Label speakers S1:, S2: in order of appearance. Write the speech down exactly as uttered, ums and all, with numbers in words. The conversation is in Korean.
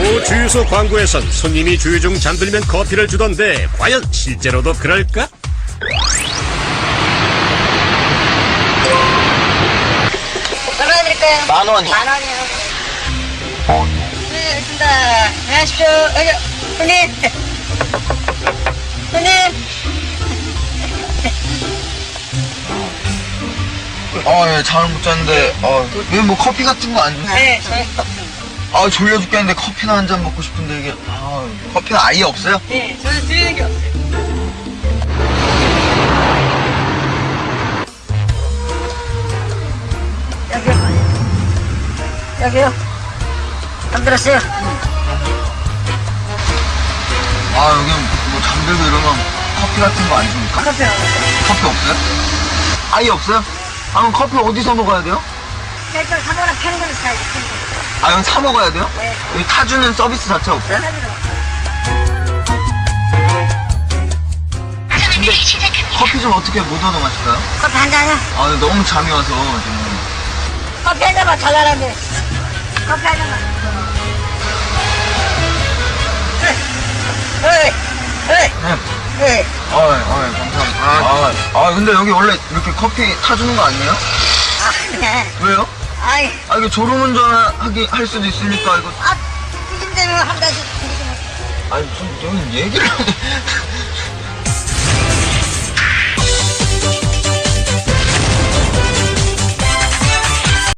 S1: 모 주유소 광고에선 손님이 주유 중 잠들면 커피를 주던데 과연 실제로도 그럴까?
S2: 얼마 드릴까요?
S3: 만 원이요.
S2: 만 원이요. 네, 알겠습니다. 안녕하십시오. 여기, 손님. 손님.
S3: 아, 예, 잠을 못 잤는데, 어, 왜 뭐 커피 같은 거 안 주세요?
S2: 네, 저희.
S3: 아, 졸려 죽겠는데 커피나 한 잔 먹고 싶은데, 이게, 아, 커피는 아예 없어요?
S2: 네, 저는 드리는 게 없어요. 여기요. 여기요. 잠들었어요.
S3: 아, 여기 뭐 잠들고 이러면 커피 같은 거 안 줍니까?
S2: 커피 안
S3: 커피 없어요? 아예 없어요? 아, 그럼 커피 어디서 먹어야 돼요?
S2: 일단 사모랑 펴는 거는 사야지.
S3: 아, 그럼 사 먹어야 돼요?
S2: 네.
S3: 여기 타주는 서비스 자체 없어요? 근데 커피 좀 어떻게 못 얻어 마실까요?
S2: 커피 한 잔이요?
S3: 아, 너무 잠이 와서 지금.
S2: 커피 한 잔만 달라는데. 커피 한 잔만. 에이, 에이,
S3: 네.
S2: 에이.
S3: 아, 아, 감사합니다. 아, 아, 근데 여기 원래 이렇게 커피 타주는 거 아니에요?
S2: 아, 그래.
S3: 왜요?
S2: 아이,
S3: 아, 이거 졸음운전 하기, 할 수도 있으니까, 이거.
S2: 아, 삐짐대로 한 잔씩 드리지 뭐.
S3: 아니, 무슨, 여기 얘기를.